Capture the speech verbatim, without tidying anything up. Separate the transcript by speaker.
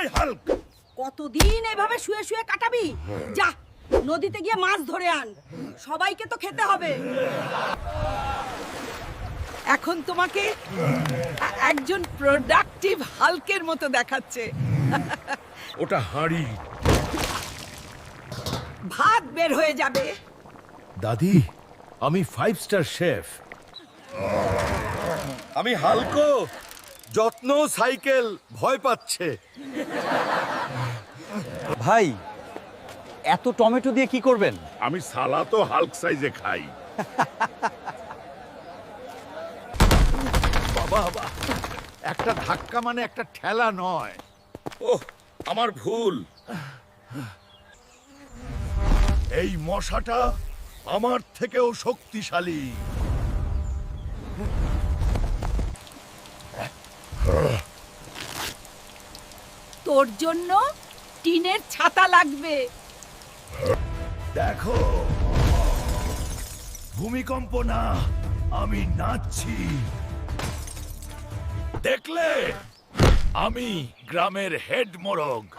Speaker 1: By Hulk.
Speaker 2: কতদিন এভাবে শুয়ে শুয়ে কাটাবি? যা নদীতে গিয়ে মাছ ধরে আন, সবাইকে তো খেতে হবে।
Speaker 3: এখন তোমাকে এ- একজন প্রোডাক্টিভ হাল্কের মতো দেখাচ্ছে।
Speaker 1: ওটা হাঁড়ি।
Speaker 3: ভাত বের হয়ে যাবে।
Speaker 1: দাদি, আমি ফাইভ স্টার শেফ। আমি হালকো, যত্ন সাইকেল ভয় পাচ্ছে।
Speaker 4: ভাই, এত টমেটো দিয়ে কি করবেন?
Speaker 5: আমি সালাতো হাল্ক সাইজে খাই।
Speaker 1: বাবা বাবা, একটা ধাক্কা মানে একটা ঠেলা নয়।
Speaker 5: ওহ, আমার ভুল।
Speaker 1: এই মশাটা আমার থেকেও শক্তিশালী।
Speaker 2: তোর জন্য টিনের ছাতা লাগবে।
Speaker 1: দেখো, ভূমিকম্প না, আমি নাচছি। দেখলে, আমি গ্রামের হেড মোরগ।